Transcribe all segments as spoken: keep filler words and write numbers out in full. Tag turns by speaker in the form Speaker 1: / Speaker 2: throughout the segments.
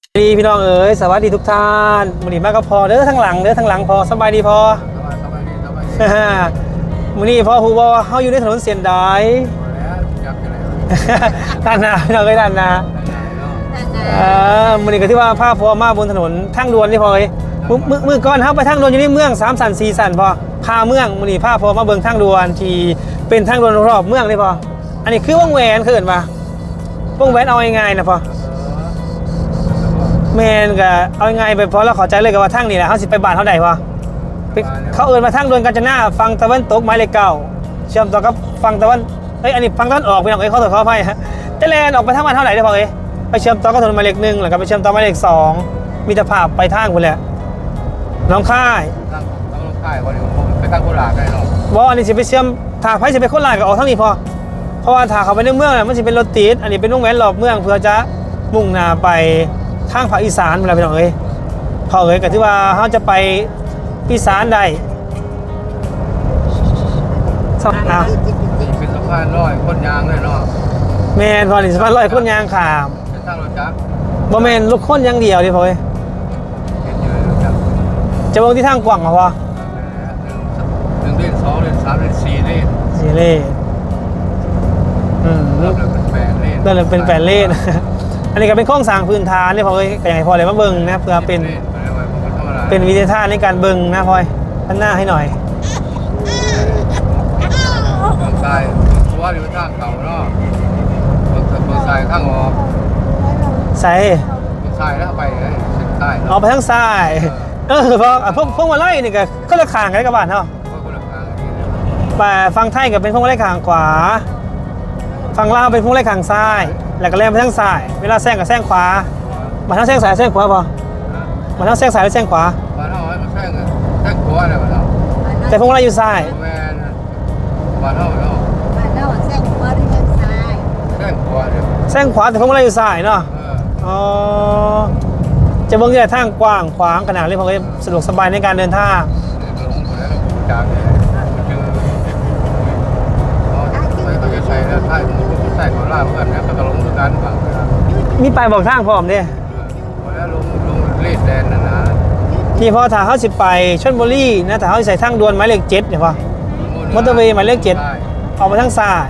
Speaker 1: ดีพี่น้องเอ๋ยสวัสดีทุกท่านมือนี้มาก็พอเด้อทั้งหลังเด้อทั้งหลังพอสบายดีพอสบายดีสบายดีมือนี้พอฮู้บ่ว่าเฮาอยู่ในถนนเส้นใดด้านหน้าพี่น้องเอ้ยด้านหน้าเอ่อมือนี้ก็ที่ว่าพาพอมาบนถนนทางด่วนนี่พอเอ้ยมื้อมื้อก่อนเฮาไปทางด่วนอยู่ในเมืองสามสันสี่สันพอพาเมืองมือนี้พาพอมาเบิ่งทางด่วนที่เป็นทางด่วนรอบเมืองนี่พออันนี้คือวงแหวนคือเอิ้นว่าวงแหวนเอาง่ายๆนะพอแมนก็เอาไงไปเพราะเราเข้าใจเลยกับว่าทั้งนี่แหละเขาสิไปบ้านเขาได้ปะเขาเอินมาทั้งดวนกาญจนาฟังตะวันตกไม้เลขเก้าเชื่อมต่อกับฟังตะวันเอ้ยอันนี้ฟังตะวันออกไปหน่อยเขาถอดเขาไปฮะจะแลนออกไปทั้งวันเท่าไหร่ได้พอเอ้ยไปเชื่อมต่อกับถนนหมายเลขหนึ่งหรือกับไปเชื่อมต่อหมายเลขสองมีแต่ภาพไปทางคนแหละน้องค่าย
Speaker 2: น้องค่ายคนนี้ผมไปทางโคราชได้หรอ
Speaker 1: ว่าอันนี้สิไปเชื่อมถาไพ่สิไปโคราชก็ออกทั้งนี้พอเพราะว่าถาเขาไปในเมืองเนี่ยมันสิเป็นรถติดอันนี้เป็นวงแหวนรอบเมืองเพื่อจะมุ่งหน้าไปทางภาคอีสานเวลาไปหน่อยพอเอ้ยก็ที่ว่าเขาจะไปอีสานได้สองอ่ะ
Speaker 2: เป็นสะพานลอยคนยางเลยเนาะ
Speaker 1: แมนพอนี่สะพานลอยคนยางขาม
Speaker 2: เป็นทางรถจักร
Speaker 1: บ่แมนลูกคนยังเดียวดิพอเอ้ยจะมองที่ทางกว้างเหรอพอ
Speaker 2: หนึ่งเลนสองเลนสามเลนสี่เลน
Speaker 1: สี่เลนอืม
Speaker 2: เริ่มเป็นแปดเลน
Speaker 1: เริ่มเป็นแปดเลนอันนี้ก็เป็นโครงสร้างพื้นฐานนี่พอเอ้ยก็อย่างไรพอเลยมาเบิ่งนะเพื่อเป็นเป็นวิทยาทานในการเบิ่งนะพอยพันหน้าให้หน่อย
Speaker 2: ทางซ้ายตัวอยู่ทางเขาเนาะทางซ้ายทางออก
Speaker 1: ใส่
Speaker 2: ทางซ้ายแล้วไปเลยเส้นใต้
Speaker 1: ออกไปทางซ้ายเออพอพวกพวกมาไล่นี่ก็ก็ละข่างกันกับบ้านเนาะแต่ฟังไทยกับเป็นพวกมาไล่ข่างขวาฟังลาวเป็นพวกมาไล่ข่างซ้ายแล้วก็แล่นไปทางซ้ายเวลาแซงกับแซงขวามาทางแซงซ้ายแซงขวาพอมาทางแซงซ้ายหรือแซงขวา
Speaker 2: มาเท่าไหร่มาแซงแซงขวาเลยมาเท่า
Speaker 1: แต่พวกเราอยู่ซ้าย
Speaker 2: แมนมาเท่าเนาะ
Speaker 3: มาเท่าแซงขวาหรือแซงซ้าย
Speaker 2: แซงขวาเดี๋ยว
Speaker 1: แซงขวาแต่พวกเราอยู่ซ้ายเนาะอ๋อจะเบิ่งที่ทางกว้างขวางขนาดเลยพอสะดวกสบายในการเดินทาง
Speaker 2: จากเนี่ยเขาจะใช้แล้วท้ายมือใส่ของล่าเหมือนกันนะก็จะลงด้วยกันฝั่ง
Speaker 1: มีไปบอกทางพร้อมดิ
Speaker 2: แล้วลงลงเลดแดนนะนะ
Speaker 1: ที่พอถ้าเขาสิไปชลบุรีนะแต่เขาใส่ทางด่วนหมายเลขเจ็ดเนี่ยพอมอเตอร์เวย์หมายเลขเจ็ดออกไปทางซ้าย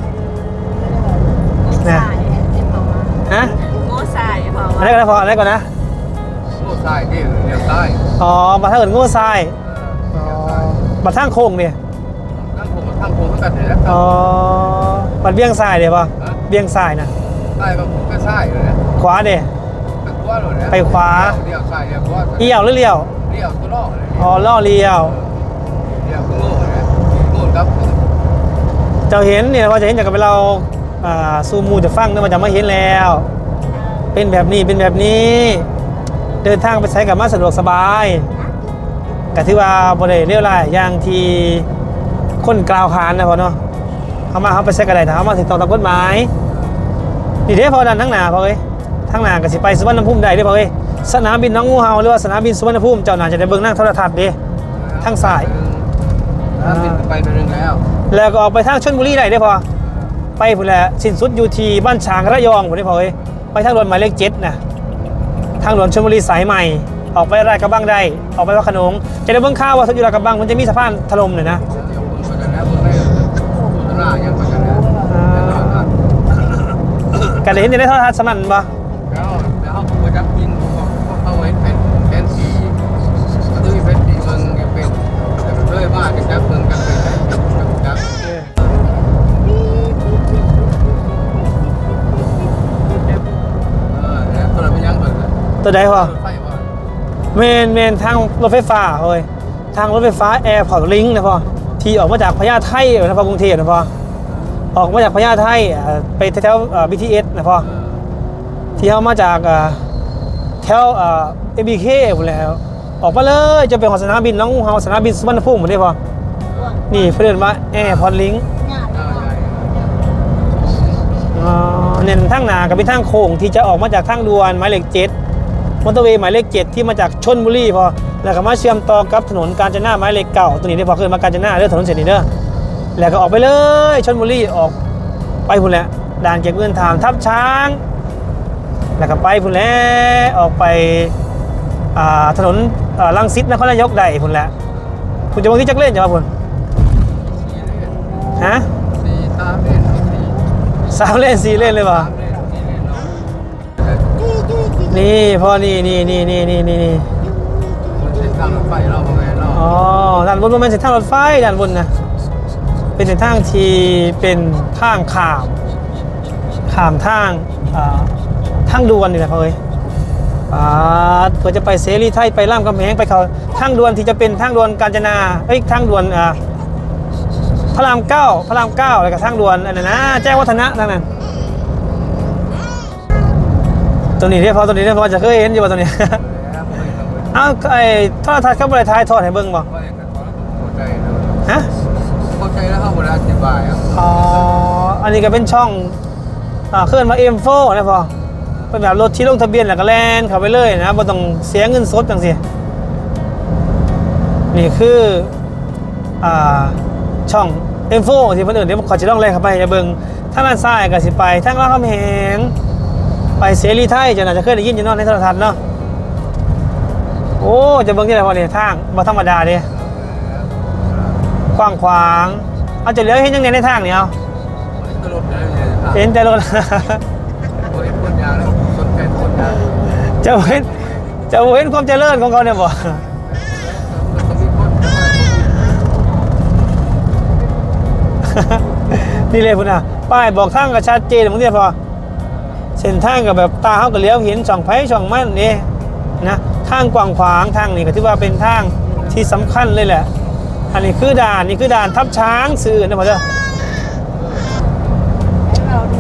Speaker 1: นะฮะ
Speaker 3: โม่ทรายพอ
Speaker 1: อะไรกันนะพออะไรก่อนนะ
Speaker 2: โง่ทรายที่เลี้ยวใต้
Speaker 1: อ๋อบัตรทางอื่นโง่ทรายบัตรทางโค้งเนี่ย
Speaker 2: ทางโค้งทางโค้งกันเลยนะ
Speaker 1: อ๋อบัตรเบี้ยงทรายเดี๋ยวพอเบี้ยงทรายนะ
Speaker 2: ใต้ก็ก็ใช่เลยนะ
Speaker 1: ขวาเดี๋ยวไปขวา
Speaker 2: เลี้ยวซ้ายเลี้ยวขวา
Speaker 1: เลี้ยวหรือเลี้ยว
Speaker 2: เลี้ยวตัวล่อเลย
Speaker 1: อ๋อล่อเลี้ยว
Speaker 2: เลี้ยวโง่เลยโง่ครับ
Speaker 1: เจ้าเห็นเนี่ยว่าจะเห็นจากกับเราซูมูจะฟังเนี่ยมันจะไม่เห็นแล้วเป็นแบบนี้เป็นแบบนี้เดินทางไปใช้กับมาสะดวกสบายแต่ที่ว่าบริเวณเรียวไรอย่างที่คนกล่าวขานนะพอเนาะเขามาเขาไปใช้กระไดถามมาถึงตองตามกฎหมายนี่เด้พอดันทั้งหนาพอเอ้ยทั้งหนากับสิไปสุวรรณภูมิใดได้พอเอ้ยสนามบินน้องงูเห่าหรือว่าสนามบินสุวรรณภูมิเจ้าหนาจะได้เบิ่งนั่งโทรทัศน์ดิทั้งสาย
Speaker 2: บินไปไปนึงแล้ว
Speaker 1: แล้วก็ออกไปทางชลบุรีได้ได้พอไปพุ่นแหละสิ้นสุดอยู่ที่บ้านฉางระยองพุ่นได้พอเอ้ยไปทางด่วนหมายเลขเจ็ดนะทางด่วนชลบุรีสายใหม่ออกไปราชกระบังได้ออกไปวัดขนงจะได้เบิ่งข่าวว่าอยู่ราชกระบังมันจะมีสะพานถล่มเลยนะกันเลยเห็นจะได้โทรทัศน์สนั่นปะ
Speaker 2: แล้วแล้วเขาไปจับกินเขาไว้เป็นเป็นสีดูเป็นสีเมืองเป็นแต่เลยว่าจะจับเมืองกันเป็นจับ
Speaker 1: ตัวใดพอเมนเมนทางรถไฟฟ้าเฮ้ยทางรถไฟฟ้าแอร์พอร์ตลิงก์นะพอที่ออกมาจากพญาไทนะพอกรุงเทพนะพอออกมาจากพญาไทไปแถวๆ บี ที เอส นะพอที่เขามาจากแถวเอ็ม บี เค หมดแล้วออกมาเลยจะเป็นของสนามบินน้องเฮาสนามบินสุวรรณภูมิหมดเลยพอนี่เพื่อนว่าแอร์พอร์ตลิงก์เน้นทางหนากับเป็นทางโค้งที่จะออกมาจากทางด่วนหมายเลขเจ็ดมอเตอร์เวย์หมายเลขเจ็ดที่มาจากชลบุรีพอแล้วก็มาเชื่อมต่อกับถนนกาญจนาหมายเลขเก่าตัวนี้ได้พอขึ้นมากาญจนาเรื่องถนนเส้นนี้เด้อแล้วก็ออกไปเลยชลบุรีออกไปพุ่นแหละด่านเก็บเงินถามทับช้างแล้วก็ไปพุ่นแหล้วออกไปอ่าถนนอ่ารังสิตนครนายกได้พุ่นแหละคุณจะบางที่จักเล่นจะมาพุ่น
Speaker 2: สี่เล่น
Speaker 1: ฮะ
Speaker 2: สี่สามเล่นสี่
Speaker 1: สามเล่นสี่เล่นเลยป่ะ
Speaker 2: สามเล่นสี่เล่นเนาะ
Speaker 1: นี่พ่อนี่นี่นี่นี่นี่นี่นี่
Speaker 2: มันเส้นทางรถไฟเราประมาณเนาะ
Speaker 1: อ๋อด้านบนมันเป็นเส้นทางรถไฟด้านบนนะเป็นเส้นทางที่เป็นทางข้ามข้ามทางอ่าทางด่วนนี่แหละพ่อเอ้ยอ่าเพื่อจะไปเสรีไทยไปรามคำแหงไปเขาทางด่วนที่จะเป็นทางด่วนกาญจนาเอ้ยทางด่วนอ่าพระรามเก้าพระรามเก้าอะไรกับทางด่วนอันนั้นนะแจ้งวัฒนะทางนั้นตัวนี้เรียกพอตัวนี้เรียกพอจะเคยเห็นอยู่ว่าตัวนี้
Speaker 2: แล้วผมเห็นเราไป
Speaker 1: เอ้าไอ้โทรทัศน์เขาบริทายทอดให้เบิ่งบ่
Speaker 2: ว่าอย่างนั้นเข้าใจเลย
Speaker 1: ฮะ
Speaker 2: เข้าใจแล้วเข้ามาอธิบายอ่ะ
Speaker 1: อ๋ออันนี้ก็เป็นช่องอ่าเคลื่อนมา เอ็ม โฟร์ นะพอเป็นแบบรถที่ลงทะเบียนแล้วก็แล่นเข้าไปเลยนะบ่ต้องเสียเงินสดจังซี่นี่คืออ่าช่อง เอ็ม โฟร์ ที่เพิ่นเอิ้นเดี๋ยวขอสิลองแล่นเข้าไปให้เบิ่งทางด้านซ้ายก็สิไปทางรามคำแหงไปเสรีไทยจะน่าจะเคยได้ยินอยู่เนาะในโทรทัศน์เนาะโอ้จะเบิ่งที่ไหนพอเนี่ยทางบ่ธรรมดาเด้กว้างขวางเอาจะเหลือเห็นยังไงในทางนี่เอา
Speaker 2: ตลกเลยเนี่ยครับ
Speaker 1: เห็นแต่รถ
Speaker 2: โอ้ยคนยาแล้วสนใจคนยา
Speaker 1: จะเห็นจะเห็นความเจริญของเขาเนี่ยบ่
Speaker 2: มันต้องมีคน
Speaker 1: นี่เลยพุ่นน่ะป้ายบอกทางก็ชัดเจนบางทีพอเส้นทางก็แบบตาเขาก็เลี้ยวเห็นช่องไฟช่องมันนี่นะทางกว้างขวางทางนี่ก็ถือว่าเป็นทางที่สำคัญเลยแหละ อันนี้คือด่านนี่คือด่านทับช้างสื่อนะพ่อเจ้า
Speaker 3: เราดู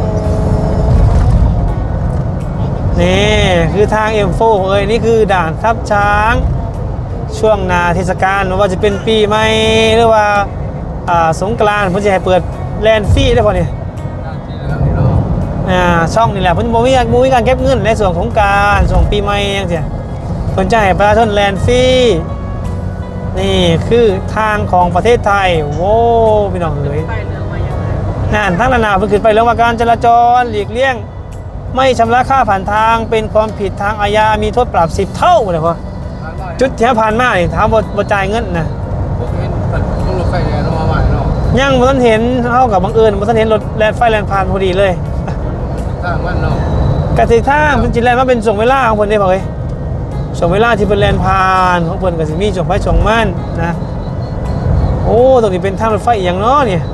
Speaker 1: นี่คือทาง เอ็ม โฟร์ เอ้ยนี่คือด่านทับช้างช่วงหนาเทศกาลไม่ว่าจะเป็นปีใหม่หรือว่าอ่าสงกรานต์เพิ่นจะให้เปิดแลนด์ฟรีได้ป่ะเนี่ย
Speaker 2: ที่เหลือนี่เนาะ
Speaker 1: อ่าช่องนี่แหละเพิ่นบ่มีบ่มีการเก็บเงินในส่วนของการส่วนปีใหม่จังซี่เพิ่นจะให้ประชาชนแลนด์ฟรีนี่คือทางของประเทศไทยโว้พี่น้องเอ้ย
Speaker 3: ไปเรื่องมาอย่างไร
Speaker 1: นั่นทางนานาเพิ่นขึ้นไปเรื่องว่าการจราจรหลีกเลี่ยงไม่ชำระค่าผ่านทางเป็นความผิดทางอาญามีโทษปรับสิบเท่าเลยพ่อจุดที่ผ่านมานี่ถามบ่บ่จ่ายเงินนะ
Speaker 2: ผมเห็นต้องรถไฟเนี่ยเรามาใหม่เนาะ
Speaker 1: ยังบ่ทันเห็นเฮากับบังเอิญบ่ทันเห็นรถแล่นไฟแล่นผ่านพอดีเลย
Speaker 2: ทางมันเนาะ
Speaker 1: กะสิทางเพิ่นสิแล่นมาเป็นช่วงเวลาของเพิ่นเด้พ่อเอ้ยช่วงเวลาที่เพิ่นแล่นผ่านของเพิ่นก็สิมีช่วงไฟช่วงมันนะโอ้ตรงนี้เป็นทางรถไฟอีหยังเนาะเนี่ย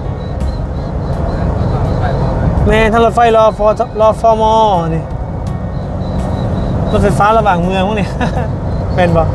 Speaker 2: ไปบอกเลย
Speaker 1: แม่ทางรถไฟรอฟอรอฟอมอนี่รถไฟฟ้าระหว่างเมืองพวกนี้ เป็นบ่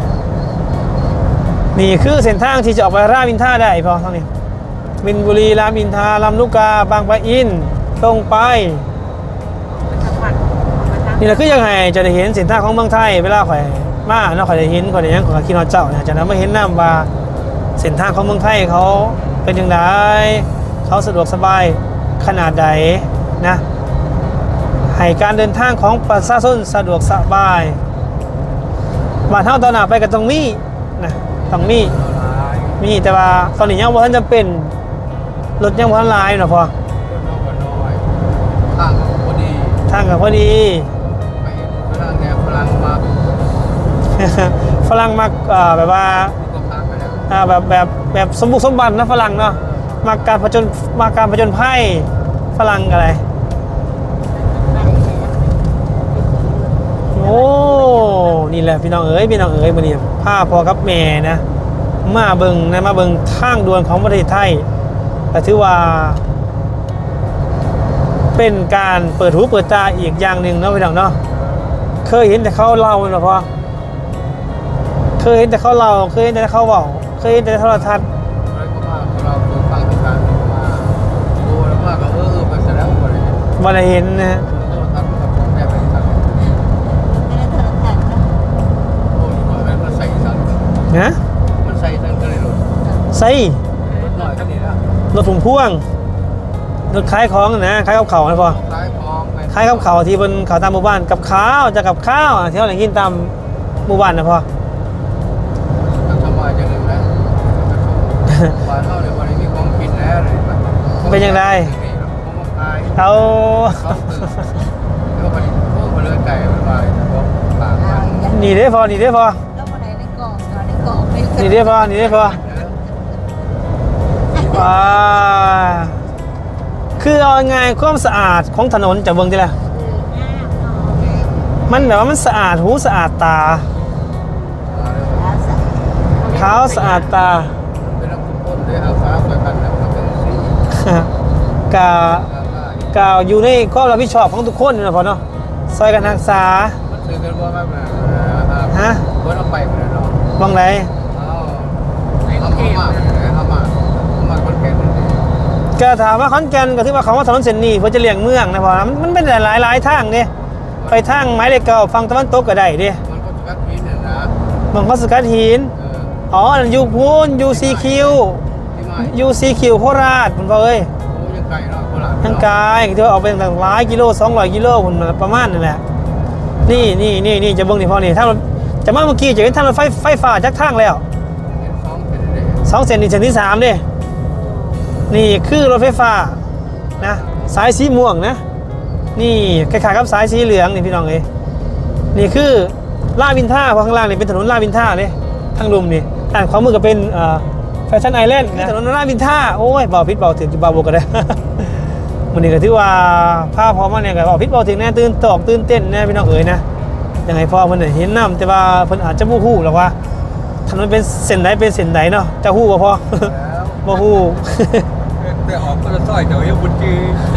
Speaker 1: นี่คือเส้นทางที่จะออกไปรามอินทราได้พอเท่านี้มินบุรีรามอินทราลำลูกกาบางปะอินตรงไป
Speaker 3: สัมผัสมาทาง
Speaker 1: นี่แหละคือยังไงจะได้เห็นเส้นทางของเมืองไทยเวลาข่อยมาเนาะข่อยได้เห็นข่อยได้หยังข่อยก็คิดฮอดเจ้าเนี่ยจะนำมาเห็นนำว่าเส้นทางของเมืองไทยเขาเป็นจังไดเขาสะดวกสบายขนาดใดนะให้การเดินทางของประชาชนสะดวกสบายบ้านเฮาตอนหน้าไปก็ต้องมีนะต้องมี
Speaker 2: หลาย
Speaker 1: มีแต่ว่าตอนนี้ยังบ่ทันจำเป็นรถยังบ่ทันหลายเนาะพอ
Speaker 2: คนน้อยคนน้อยทางพอดี
Speaker 1: ทางก็พอดี
Speaker 2: ไปฝรั่งแนวฝรั่งมา
Speaker 1: ฝรั่งมักเอ่อแบบว่า
Speaker 2: ก็พักไปแล้ว
Speaker 1: อ่าแบบแบบแบบสมบุกสมบันนะฝรั่งเนาะมาการผจญมาการผจญภัยฝรั่งอะไรโอ้นี่แหละพี่น้องเอ๋ยพี่น้องเอ๋ยมื้อนี้พาพ่อกับแม่นะมาเบิ่งนะมาเบิ่งทางด่วนของประเทศไทยก็ถือว่า เป็นการเปิดหูเปิดตาอีกอย่างหนึ่งเนาะพี่น้องเนาะเคยเห็นแต่เขาเล่าเนาะพ่อเคยเห็นแต่เขาเล่าเคยเห็นแต่เขาเว้าเคยเห็นแต่โทรทัศน์
Speaker 2: เลยก็ว่าเราดูฟังกันมาดูแล้วว่าก็เออไปเสร็จแล้วหมดเลย
Speaker 1: บ่ได้เห็นนะฮะ
Speaker 2: โทรทัศน์กับแม่ไปสั่ง
Speaker 3: ไม่ได้เธอแทนนะ
Speaker 2: โอ้ยมันใส่สั่ง
Speaker 1: นะ
Speaker 2: มันใส่สั่งก็เลยหลุด
Speaker 1: ใส่
Speaker 2: รถหน่อยก็ดีแล้ว
Speaker 1: รถถุงพ่วงรถขายของนะขายกับเขาวนะพ่อ
Speaker 2: คล้ายคลองไป
Speaker 1: ขายกับเขาวที่บนเขาตามหมู่บ้านกับข้าวจะกับข้าวอ่ะที่เราได้กินตามหมู่บ้านนะพ่อ
Speaker 2: ทำสบายจังเลยนะบ้านเท่าเดี๋ยววันนี้มีของกินแล้วเลย
Speaker 1: เป็นยังไง
Speaker 2: ผมมาขาย
Speaker 1: เอา
Speaker 2: เขาตื่นแล้วก็ไปโคไก่มันไปเพราะปากมัน
Speaker 1: นี่เด้พอนี่เด้พอ
Speaker 3: แล้ววันไหนในกล่องก่อนในกล่องไม่
Speaker 1: นี่เด้พอนี่เด้พอว้าคือเอาไงความสะอาดของถนนจะเบิ่งทีละมันแบบว่ามันสะอาดหูสะอาดตาเท้าสะอาดตา
Speaker 2: เป็นน้ำทุกคนได้เอาฟ้าไปกันแล้วเป็นสี
Speaker 1: กะกะอยู่ในความรับผิดชอบของทุกคนนะพอเนาะซอยกันรักษา
Speaker 2: มันถือกันว่าแบบนั้น
Speaker 1: ฮะ
Speaker 2: คนเอาไปหมดเลยเนาะ
Speaker 1: บ้างไร
Speaker 2: เอาเอามาเอามาเอามาคนแก่นนี่
Speaker 1: ก็ถามว่าขอนแก่นก็ถือว่าเขาว่าถนนเส้นนี้เพื่อจะเลี่ยงเมืองนะพอนะมันเป็นหลายหลายๆทางเนี่ยไปทางไม้เหล็กเก่าฝั่งตะวันตกก็ได้เดิ
Speaker 2: มันก็กัดพิษเนี่ยนะ
Speaker 1: บางข้อสกัดหิน
Speaker 2: เออ
Speaker 1: อ๋อยูพูนยูซีคิว
Speaker 2: ที่ไม่
Speaker 1: ยูซีคิวโคราชคุณพ่อเอ้ย
Speaker 2: โอ้ยังไกลเนาะโคราช
Speaker 1: ทางกายที่ว่าออกเป็นแบบหลายกิโลสองร้อยกิโลคุณประมาณนั่นแหละนี่นี่นี่นี่จะเบิ่งนี่พอนี่ถ้าเราจะมาเมื่อกี้จะเห็นทางรถไฟไฟฟ้าจากทางแล้ว
Speaker 2: เป็นสองเป็นเด็ก
Speaker 1: สองเส้นนี่เส้นที่สามเด้นี่คือรถไฟฟ้านะสายสีม่วงนะนี่คล้ายๆกับสายสีเหลืองนี่พี่น้องเอ้ยนี่คือลาดวินท่าเพราะข้างล่างนี่เป็นถนนลาดวินท่าเลยทางลุมนี่ด้านขวามือก็เป็นแฟชั่นไอแลนด์นะถนนลาดวินท่าโอ้ยเบาพิษเบาถึงจะเบาบวกกันได้ มันนี่ก็ถือว่าภาพพอมาเนี่ยก็เบาพิษเบาถึงแน่ตื่นตอกตื่นเต้นแน่พี่น้องเอ๋ยนะยังไงพอเพิ่นเห็นน้ำแต่ว่าเพิ่นอาจจะบ่ฮู้หรอกว่าถนนเป็นเส้นใดเป็นเส้นใดเนาะจะฮู้บ่พอ
Speaker 2: แล้ว
Speaker 1: บ่ฮู้
Speaker 2: แต่ออกก็จะซอยเดี๋ยวยังบุญจี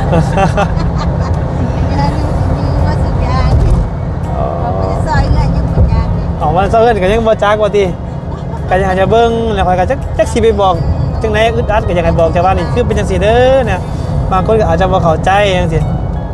Speaker 3: ว่าสัญญาณเราไปซอยเงินยังสัญญาณเลย
Speaker 1: ออกมาเซาเอิ้นก็ยังบ่จักว่าติก็ยังอาจจะเบิ่งแล้วค่อยก็จักจักสิไปบอกจังไดอึดอัดก็ยังให้บอกแต่ว่านี่คือเป็นจังซี่เด้อเนี่ยบางคนก็อาจจะบ่เข้าใจจังซี่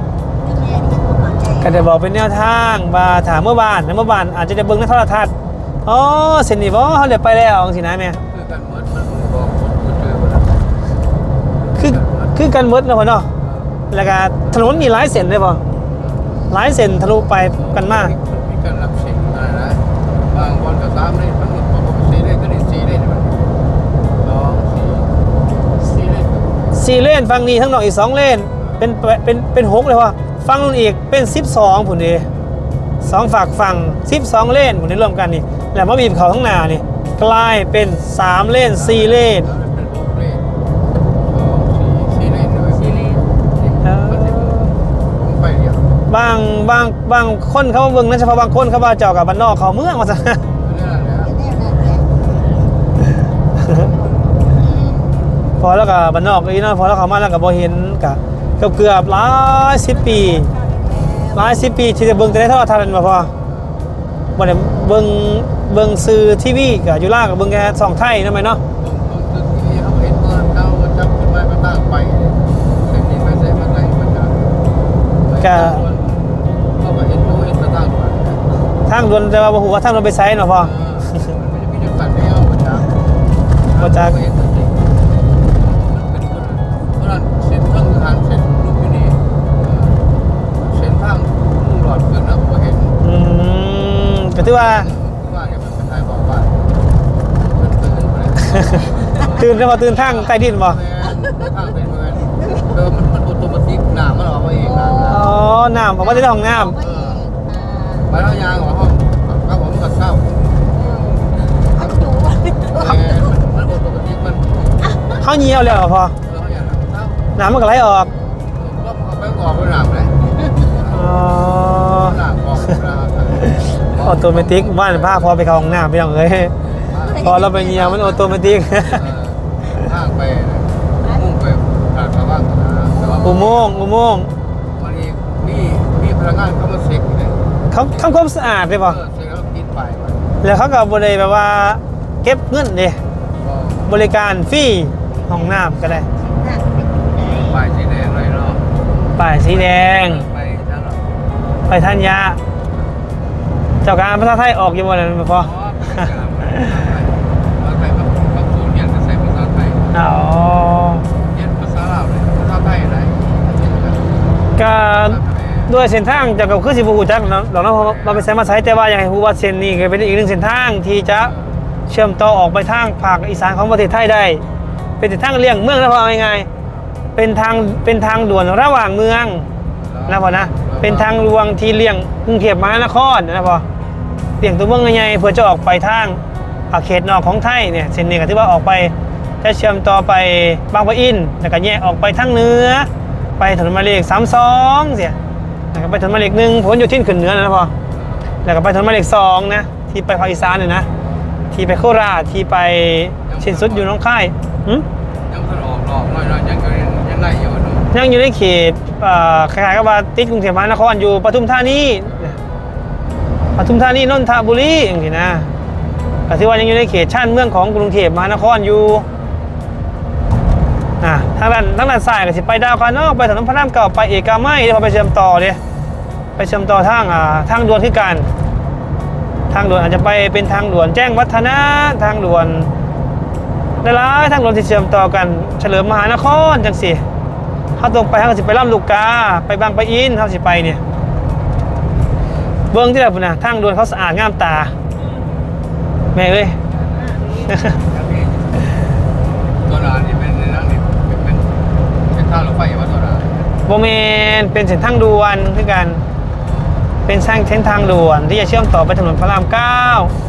Speaker 1: ก็ได้บอกเป็นแนวทางว่าถามเมื่อบ้านนะเมื่อบ้านอาจจะได้เบิ่งในโทรทัศน์อ๋อเส้นนี้บ่เฮาได้ไปแล้วจังซี่นะแม่
Speaker 2: คือกันเหมือนมันบอกคนเจอมัน
Speaker 1: คือคือกันหมดเนาะพ่อเนาะแล้วก็ถนนมีหลายเส้นเลยบ่หลายเส้นทะลุไปกันมา
Speaker 2: มีการรับสิ่งอะไรนะบางวันก็สามเลยมันปกติเลยก็นี่สี่เลยมันสองสี่สี่เลย
Speaker 1: สี่เลนฝั่งนี้ทั้งนอกอีกสองเลนเป็นเป็นเป็นหกเลยว่ะฝั่งนู้นอีกเป็นสิบสองผุนดีสองฝากฝั่งสิบสองเลนผุนนี้รวมกันนี่แล้วมาบีบเขาข้างหน้านี่กลายเป็นสามเลนสี่เลน
Speaker 2: เป็นหกเลยสองสี่สี่เลยหน่อยสี่เลย
Speaker 1: เออ
Speaker 2: ผมไปเดียว
Speaker 1: บางบางบางคนเขาเบิ่งนะเฉพาะบางคนเขาว่าเจ้ากับบ้านนอกเขาเมืองว่าซะ
Speaker 2: เรื่องอะไรนะ
Speaker 1: พอแล้วกับบ้านนอกอีกเนาะพอแล้วเขามาแล้วก็บ่เห็นกะเกือบเกือบหลายสิบปีหลายสิบปีที่จะเบิ่งแต่ในโทรทัศน์นั่นบ่พอบ่ได้เบิ่งเบิ่งสื่อทีวีก็อยู่ล่างก็เบิ่งแค่ช่องไทยนั่นไหมเนาะ
Speaker 2: ผมตึกที่เขาเห็นตอนเขาจับขึ้นมาก็ตั้งไปเส้นนี้ไปเส้นมาไหนมันจะเขาก็เห็นเขาเห็นมาตั้งไป
Speaker 1: ทางด่วนแต่ว่าบ่ฮู้ว่าทางด่วนไปไสเนาะพ่อ
Speaker 2: มันจะมีจังหวัดเดียวมาจาก
Speaker 1: บ่จัก
Speaker 2: เห็นตัวจริงเป็นคนเพราะนั้นเส้นทางทางเส้นลูกที่นี่เส้นทางมุ่งหลอดเกินนะผมเห็น
Speaker 1: อืมก็ถือว่า
Speaker 2: ว่าเนี่ยมันเป็นไทยบอกว่ามันตื่นไปเลย
Speaker 1: ตื่นแล้วบ่ตื่นทางใต้ดินบ่
Speaker 2: ทางเป็นเมืองเออมันมันออโตเมติกหนามันออกมาเองนะ
Speaker 1: อ๋อน้ำออกมาจากห้องน้ำ
Speaker 2: ไปแล้วยางออกห้องก็ผมก็เข้าแต่มันออโตเมติกมัน
Speaker 1: เฮาเหี่ยวแล้วพ่อ
Speaker 2: เอออย่างนั้นเข้า
Speaker 1: น้ำมันก็ไหลออก
Speaker 2: ก็เอาไปออกไปหนาเลย
Speaker 1: อ๋อ
Speaker 2: หนาออกหนา
Speaker 1: ออโตเมติกบ้านพาพอไปเข้าห้องน้ำพี่น้องเอ้ยพอเราไปเหี่ยวมันออโตเมติก
Speaker 2: ทางไปมุ่งไปทางชาวบ้านนะแต่ว่า
Speaker 1: อุโมงค์อุโมงค์
Speaker 2: มันมีมีมีพนักงานเขามาเช็คเลย
Speaker 1: เขาทำความสะอาดเลยป่ะ
Speaker 2: เออเช็คแล้วกินไปมัน
Speaker 1: แล้วเขาก็บริแบบว่าเก็บเงินเดย
Speaker 2: ก็
Speaker 1: บริการฟรีห้องน้ำก็ได้
Speaker 2: ไปสีแดงเลยเนาะ
Speaker 1: ป้ายสีแดง
Speaker 2: ไปทั้งหมด
Speaker 1: ไปทัญญาเจ้าการภาษาไทยออกอยู่บนนั้นพอ
Speaker 2: อ๋อไปกับกับศูนย์เรียนจะใส่ภาษาไทย
Speaker 1: อ๋อ
Speaker 2: เรียนภาษาลาวเลยภาษาไทยอะไรเรียนกัน
Speaker 1: ก็ด้วยเส้นทางเจากกับคือสิบูฮูจักเนาะเราเนาะเราไปใช้มาใช้แต่ว่าอยากให้รู้ว่าเส้นนี้ก็เป็นอีกหนึ่งเส้นทางที่จะเชื่อมต่อออกไปทางภาคอีสานของประเทศไทยได้ เป็นเส้นทางเลี่ยงเมืองแล้วพอเอาง่ายๆเป็นทางเป็นทางด่วนระหว่างเมืองนะพอนะ
Speaker 2: เออ
Speaker 1: เป็นทางหลวงที่เลี่ยงกรุงเทพมหานครนะพอเลี่ยงตัวเมืองใหญ่ๆเพื่อจะออกไปทางอาเขตนอกของไทยเนี่ยเส้นนี้ก็ถือว่าออกไปจะเชื่อมต่อไปบางปะอินแล้วก็แยกออกไปทางเหนือไปถนนหมายเลขสามสองเสียแล้วก็ไปถนนหมายเลขหนึ่งพ้นอยู่ที่ขึ้นเหนือนะพอแล้วก็ไปถนนหมายเลขสองนะที่ไปภาคอีสานเนี่ยนะที่ไปโคราชที่ไปสิ้นสุดอยู่หน้องค่ายหึ
Speaker 2: ยังไม่ออกหรอกน้อยๆยังก็ยังได้อยู่เนาะ
Speaker 1: ยังอยู่ในเขตเอ่อคล้ายๆกับว่าติดกรุงเทพมหานครอยู่ปทุมธานีปทุมธานีนนทบุรีอย่างนี้นะก็ถือว่ายังอยู่ในเขตชานเมืองของกรุงเทพมหานครอยู่อ่ะทางด้านทางด้านซ้ายก็สิไปดาวคานอกไปถนนพระรามเก่าไปเอกมัยเดี๋ยวพอไปเชื่อมต่อเดี๋ยวไปเชื่อมต่อทางอ่าทางด่วนที่การทางด่วนอาจจะไปเป็นทางด่วนแจ้งวัฒนะทางด่วนหลายๆทางด่วนที่เชื่อมต่อกันเฉลิมมหานครจังสิเขาตรงไปเขาสิไปลำลูกกาไปบางปะอินเขาสิไปเนี่ยเบื้องที่แบบนะทางด่วนเขาสะอาดงามตาแม่เอ้ย
Speaker 2: ตัวร้านนี่เป็นนั่งนี่เป็นเป็นเป็นท่ารถไฟว่าตัวร้าน
Speaker 1: โบเมนเป็นเส้นทางด่วนคือกันเป็นสร้างเส้นทางด่วนที่จะเชื่อมต่อไปถนนพระรามเก้า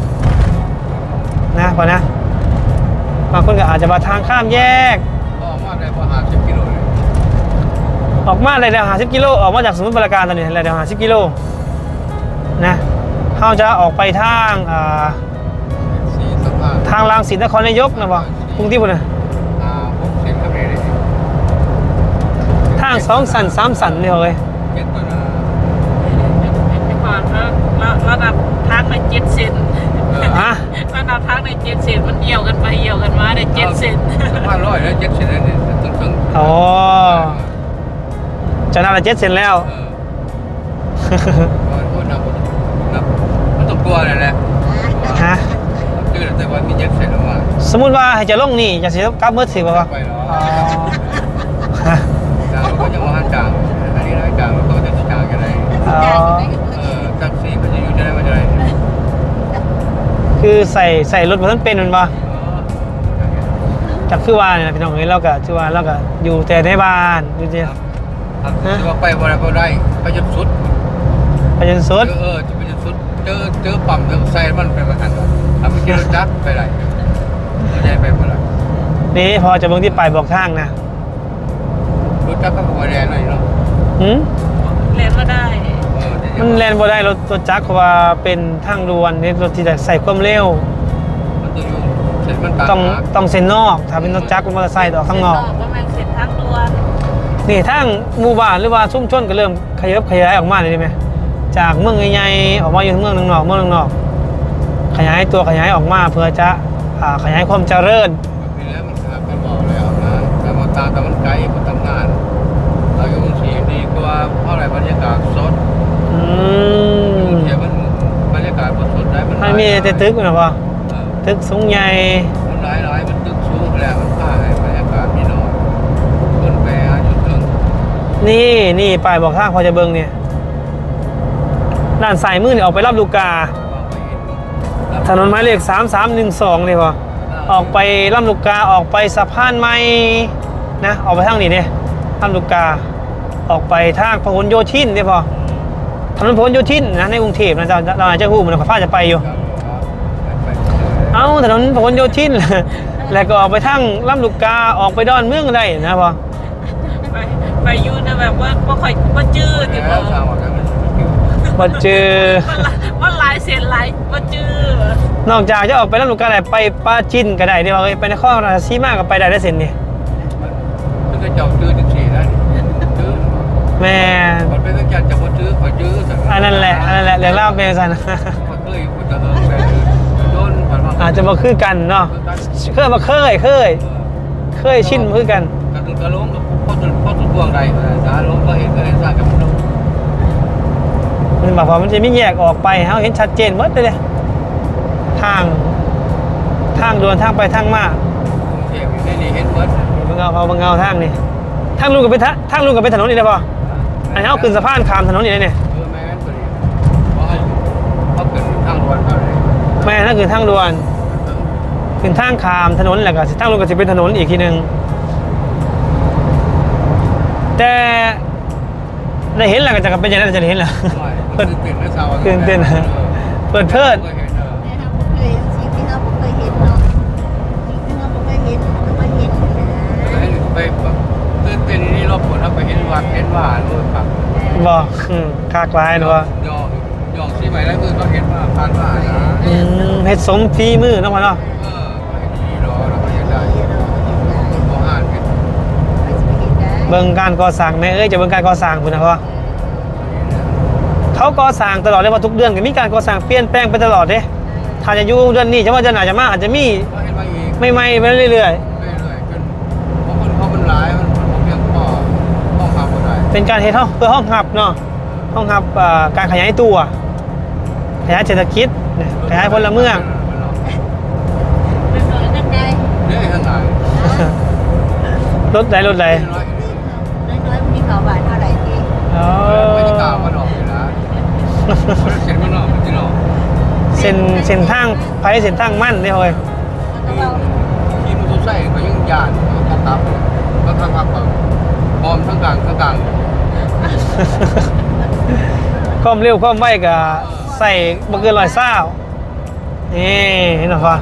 Speaker 1: นะพอนะบางคนก็อาจจะมาทางข้ามแยก
Speaker 2: ก็มาได้พอหาสิบกิโลเลย
Speaker 1: ออกมาเลยเดี๋ยวหาสิบกิโลออกมาจากสมุทรปราการตอนนี้เลยเดี๋ยวหาสิบกิโลนะเขาจะออกไปทางอ่า
Speaker 2: สี่สะพาน
Speaker 1: ทางรางสินนครนายกนะบ่กรุงเทพนะ
Speaker 2: อ่าพวกเส้นก็ไม่ได้
Speaker 1: ทางสองสันสามสันเนี่ยเลย
Speaker 2: เก็ตตัวร้าน
Speaker 4: ไปก่อนแล้วระดับทางในเจ็ดเซน
Speaker 1: ฮะ
Speaker 4: ระดับทางในเจ็ดเซนมันเหี่ยวกันไปเหี่ยวกันมาในเจ็ดเซน
Speaker 2: สะพานร้อยแล้วเจ็ดเส้นนี่ถึงถึง
Speaker 1: อ๋อจะน่าจะเจ็ดเซนแล้ว
Speaker 2: เออก็นับนับมันต้องตัวเลยแหละ
Speaker 1: ฮะ
Speaker 2: ชื่อแต่ว่ามีเจ็ดเส้นออกมา
Speaker 1: สมมุติว่าให้จะลงนี่จะเสียกลับเมื่อถือป่าวะ
Speaker 2: ไปหรอ
Speaker 1: อ๋อฮะ
Speaker 2: จางก็ยังมาจางอันนี้นะจางก็จะจางกันเลย
Speaker 1: อ๋อ
Speaker 2: เออแท็กซี่มันจะอยู่จะได้มาจะได้
Speaker 1: คือใส่ใส่รถมาทั้งเป็นมันปะจากคือว่าเนี่ยนะพี่น้องเอ้ยเราก็ชื่อว่าเราก็อยู่แต่ในบ้านอยู่แต่
Speaker 2: ครับจะว่าไปบ่ได้บ่ได้ไปจนสุด
Speaker 1: ไปจนสุด
Speaker 2: เออจะไปจนสุดเจอเจอปั๊มเจอใส่มันไปประกันทำไปกินรถจักรไปได้ไม่ได้ไปบ่ได้
Speaker 1: นี่พอจะเบิ่งที่ป้ายบอกทางนะ
Speaker 2: รถจักรก็บ่ได้หน่อยเนาะ
Speaker 1: หืม
Speaker 4: เรียนมาได้
Speaker 2: เออ
Speaker 1: มันแล่นบ่ได้รถรถจักรเพราะว่าเป็นทางด่วนนี่รถที่จะใส่ความเร็ว
Speaker 2: มันต้องอยู่เสร็จมันต่าง
Speaker 1: ต้องต้องเส้นนอกถ้าเป็นรถจักรเป็นมอเตอร์ไซค์ต้องออกข้างนอก
Speaker 4: ว่ามันเสร็จทางด่วน
Speaker 1: นี่ทางหมู่บ้านหรือว่าชุมชนก็เริ่มขยับขยายออกมาเลยได้ไหมจากเมืองใหญ่ๆออกมาอยู่เมืองนอกๆเมืองนอกๆขยายตัวขยายออกมาเพื่อจะอ่าขยายความเจริญ
Speaker 2: ปีแล้วมันขาดกันบอกแล้วนะแต่มาตาแต่มันไกลมันทำงานเราอยู่กรุงเทพดีกว่าเพราะอะไรบรรยากาศสด
Speaker 1: อืม
Speaker 2: กรุงเทพมันบรรยากาศมันสดได้มัน
Speaker 1: มันมีแต่ตึกนะพ่อ
Speaker 2: เออ
Speaker 1: ตึกสูงใหญ่
Speaker 2: มันหลายหลายมันตึกสูงแล้วมันผ้าให้บรรยากาศมีน้อยคนแปรอยู่เทิง
Speaker 1: นี่นี่ป้ายบอกทางพอจะเบิ่งเนี่ยด้านซ้ายมือเนี่ยออกไปรับลูกกา
Speaker 2: วางไปเห็นรับ
Speaker 1: ถนนหมายเลขสามสามหนึ่งสองเลยพ่อออกไปลำลูกกาออกไปสะพานใหม่นะออกไปทางนี้เนี่ยลำลูกกา ออกไปทางพหลโยธินเนี่ยพ่อถนนพหลโยธินนะในกรุงเทพนะเราเราอาจจะหูมันกับฟ้าจะไปอยู่
Speaker 2: ครับไป
Speaker 1: เอ้าถนนพหลโยธิน แล้วก็ออกไปทางลำลูกกาออกไปดอนเมืองได้นะพ่อ
Speaker 4: ไปไปอยู่นะแบบว่าว่าค่อยว่าจื้อติ
Speaker 2: แล้
Speaker 4: บ่
Speaker 2: วทางออกจากนั้นคิว
Speaker 1: มาเจอ
Speaker 4: ว่าลายเสียนลายว่าจื้อน
Speaker 1: อกจากจะออกไปลำลูกกาได้ไปปราจีนก็ได้เดี๋ยวไปนครราชสีมาก็ไปได้ได้เส้นนี่
Speaker 2: มันก็เจ้าตื้อจังสี่นะตื้อ
Speaker 1: แม่
Speaker 2: มันเป็นตั้งใจจะมาตื้อขอตื้อสัก
Speaker 1: อันนั้นแหละอันนั้นแหละเรื่องเล่าเป็นสัน
Speaker 2: มันเคยพูดจะเออแบบโดนผ่านมา
Speaker 1: อาจจะมาคือกันเนาะเคยมาเคยเคยเคยชินมาคือกัน
Speaker 2: กระตุ้นกระล้มกับพ่อตุนพ่อตุนพวงใดสาล้มก็เห็นก็เห็นสร้างกับมันล้ม
Speaker 1: มันบอกว่ามันจะไม่แยกออกไปเขาเห็นชัดเจนหมดเลยทางทางด่วนทางไปทางมา
Speaker 2: เทียบอยู่ในนี้เห็นเบิร์ด
Speaker 1: บางเงาเขาบางเงาทางนี่ทางลุงกับเป็นทางลุงกับเป็นถนนนี่ได้ป่ะอันนี้เขาขึ้นสะพานข้ามถนนนี่ได้เนี่ย
Speaker 2: เออแม่นตัวนี้เพราะเขาเกิดทางด่วนเขาเลย
Speaker 1: แม่นั่นคือทางด่วนขึ้นทางข้ามถนนแหละก็สิทางลุงก็จะเป็นถนนอีกทีหนึ่งแต่ได้เห็นแล้วก็จะเป็นอย่างนั้นจะได้เห็นแล้ว
Speaker 2: ตื่นเต้นนะชาว
Speaker 1: ตื่นเต้นนะเปิดเพิด
Speaker 3: เนี่ยครับผมเคยสิ่งที่เราผมเคยเห็นเนาะสิ่งที่เราผมเคยเห็นเราเคยเห็นนะ
Speaker 2: ไปตื่นเต้นนี่รอบผลถ้าไปเห็นวัดเห็นว่านู่นครับ
Speaker 1: บอกอืมคากลายเนาะ
Speaker 2: ยองยองที่ใหม่แล้วมือก็เห็นว่าผ่านว่านะ
Speaker 1: อืมเฮ็ดสมฝีมือเนาะพ่อเนาะ
Speaker 2: เออไม่ดีรอเราก็จะได้พออ่านเป็น
Speaker 1: เบิ่งการก่อสร้างแม่เอ้ยจะเบิ่งการก่อสร้างพุ่นนะพ่อเขาก่อสร้างตลอดเลยว่าทุกเดือนก็มีการก่อสร้างเปลี่ยนแปลงไปตลอดเด้ถ้าจะอยู่เดือนนี้จะว่าจะหนาจะมากอาจจะมี
Speaker 2: ก็เห็นมาอีก
Speaker 1: ใหม่ๆไปเรื่อย
Speaker 2: เรื่อยๆจนเพราะคนเขามันหลายมันมันเพียงพอห้องพักก็ได้
Speaker 1: ๆเป็นการเฮ็ดห้องเพื่อห้องหับเนาะห้องหับอ่าการขยายตัวขยายเศรษฐกิจเนี่ยขยายพลเมือง
Speaker 3: มันน้อยกันไง
Speaker 2: เรื่อยข้างใน
Speaker 1: รถใดรถใด
Speaker 2: น้อย
Speaker 3: น้อยๆมีข่าวบ่ายเท่าไหร่ที่
Speaker 1: อ๋อ
Speaker 2: ไม่ได้กล่าวมันออกอยู่นะเซ็นมันออกมันที่ออก
Speaker 1: เส้นเส้นทางไปเส้นทางมั่นนี่เฮ้ย
Speaker 3: แล้วก็เรา
Speaker 2: ที่มันตัวใส่ก็ยังยานก็ตับก็ข้างพักก่อนบอมทั้งกลางทั้งกลาง
Speaker 1: ความเร็วความไวก็ใส่บ่เกินร้อยเศร้านี่เห็นหรอพ่อ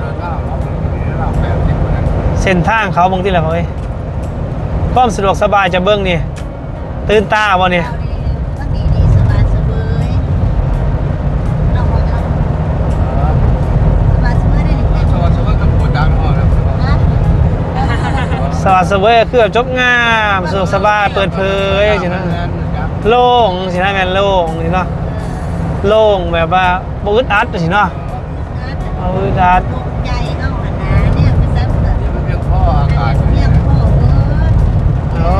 Speaker 1: เส้นทางเขาบางที่แหละพ่อเอ้ยความสะดวกสบายจะเบิ้งนี่ตื่นตาบ่เนี่ย
Speaker 3: เราดีมันดีดีสบายสบายเราบอกเราสบายสบายได้หนึ่ง
Speaker 2: สวัสดีครับผมดังอ่อนแล้ว
Speaker 3: นะ
Speaker 1: สวัสดิ์เสวยคือแบบจบงามสะดวกสบายเปิดเผยสินะโล่งสินะแม่นโล่งสิเนาะโล่งแบบว่าบ่อึดอัดสิเนาะเอาอึดอัด
Speaker 3: ตกใจเนาะหันนะเนี่ยเป็นซ้ำเติม
Speaker 2: นี่มันเพียงข้ออากาศ
Speaker 3: เรียกพ่อเออ
Speaker 1: โอ้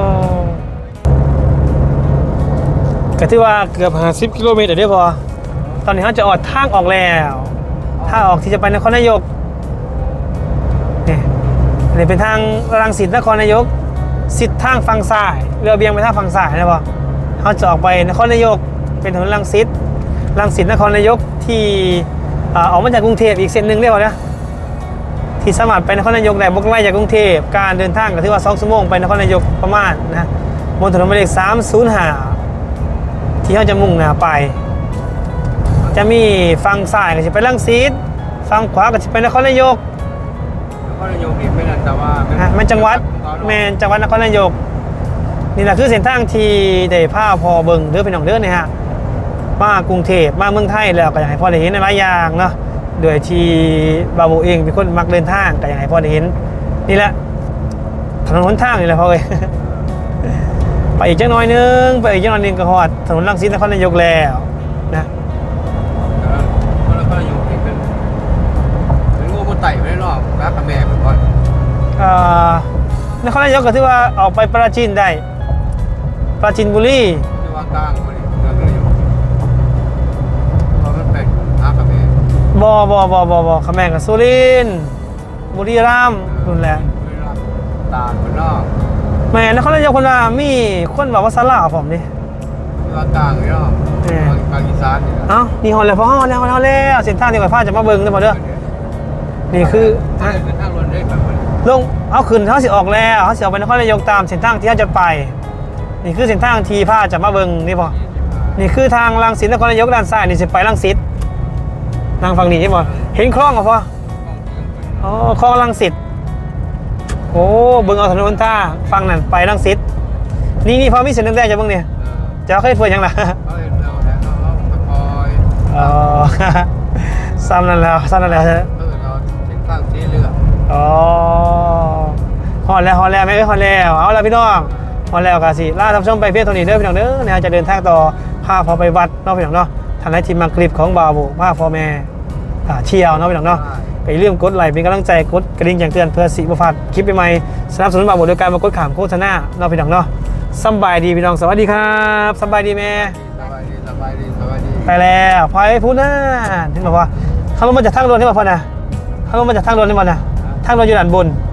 Speaker 1: ก็ถือว่าเกือบห้าสิบกิโลเมตรเด้อพอตอนนี้เขาจะออกทางออกแล้วทางออกที่จะไปนครนายกนี่อันนี้เป็นทางรังสิตนครนายกสิทธิ์ทางฝั่งซ้ายเรือเบียงไปทางฝั่งซ้ายนะพอเขาจะออกไปนครนายกเป็นถนนรังสิตรังสิตนครนายกที่อ่าออกมาจากกรุงเทพอีกเส้นหนึ่งได้ป่ะนะที่สามารถไปนครนายกได้บกไล่จากกรุงเทพการเดินทางก็ถือว่าสองชั่วโมงไปนครนายกประมาณนะบนถนนหมายเลขสามศูนย์ห้าที่เขาจะมุ่งหน้าไป จะมีฝั่งซ้ายก็จะไปรังสิตฝั่งขวาก็จะไปนครนายก
Speaker 2: ก็นายกอีกไม่นานแต่ว่า
Speaker 1: ฮะแม่นจังหวัดแม่นจังหวัดนครนายกนี่แหละคือเส้นทางที่ได้พาพอเบิ่งเด้อพี่น้องเด้อเนี่ยฮะมากรุงเทพมาเมืองไทยแล้วก็อยากให้พ่อได้เห็นในหลายอย่างเนาะโดยที่บาโบเองเป็นคนมักเดินทางก็อยากให้พ่อได้เห็นนี่แหละถนนหนทางนี่แหละพ่อเอ้ย ไปอีกจังน้อยนึงไปอีกจังน้อยนึงก็ฮอดถนนรังสิตนครนายกแล้วนะ
Speaker 2: ก็แล้วก็นายกอีกเป็นเป็นงูมันไต่ไปได้รอบรักกับแม่เป็นก่อน
Speaker 1: อ่านครนายกก็ถือว่าออกไปปราจีนได้ปราจีนบุรี
Speaker 2: ที่ว่ากลางพอดีเรื่องนายกเพราะมันเป็นรักกับแม่
Speaker 1: บอบอบอบอบอขแมงกับสุรินทร์บุรีรัมย์นู่นแหละ
Speaker 2: ตาเป็นนอก
Speaker 1: แม่นครนายกคนว่ามีคนบอกว่าสลาผมดิ
Speaker 2: ที่ว่ากลางนี่เนาะกลางอีสานนี่นะ
Speaker 1: เอ้านี่ฮอนเลยพอฮอนแล้วฮอนแล้วเส้นทางที่ก่อนพาจะมาเบิ่งได้บ่เด้อนี่คือ
Speaker 2: ถ้า
Speaker 1: ฮะ
Speaker 2: เป็นทางรถได้แบบนี้
Speaker 1: ลงเอาขึ้นเขาสิออกแล้วเขาสิออกไปนครนายกตามเส้นทางที่เขาจะไป นี่คือเส้นทางที่พาจะมาเบิ่งนี่บ่นี่คือทางรังสิตนครนายกด้านซ้ายนี่สิไปรังสิตทางฝั่งนี้ใช่บ่เห็นคลองบ่พออ๋อคลองรังสิตโอ้เบิ่งเอาถนนท่างฝั่งนั้นไปรังสิตนี่นี่พอมีเส้นแดงๆจะเบิ่งเนี่ยจะเอาเคยเปิดยังล่ะ
Speaker 2: เขาเห็นเราแล้วเราคอย
Speaker 1: อ๋อ ซ้ำนั่นแล้วซ้ำนั่นแล้วใช่ไหม
Speaker 2: เออเราเส้นข้างสีเหลือง
Speaker 1: อ๋อฮอนแล้วฮอนแล้วไม่เอ้ยฮอนแล้วเอาละพี่น้องฮอนแล้วกาสิล่าท่านผู้ชมไปเพียงเท่านี้เด้อพี่น้องเด้อนะฮะจะเดินทางต่อพาพอไปวัดเนาะพี่น้องเนาะทางไหนทีมมังคลิปของบาวบุพาพ่อแม่อ่าเชียวเนาะพี่น้องเนาะไปเรื่องกดไลค์เป็นกำลังใจกดกระดิ่งแจ้งเตือนเพื่อสิบพลาดคลิปใหม่ๆสนับสนุนบาวบุโดยการมากดขามโฆษณาเนาะพี่น้องเนาะสบายดีพี่น้องสวัสดีครับสบายดีแม่
Speaker 2: สบายดีสบายดีสบายดี
Speaker 1: ไปแล้วพอยพูดหน้าที่บอกว่าเขาลงมาจากทางด่วนที่บอกพ่อนะเขาลงมาจากทางด่วนที่บอกนะทางด่วนอยู่ด้านบน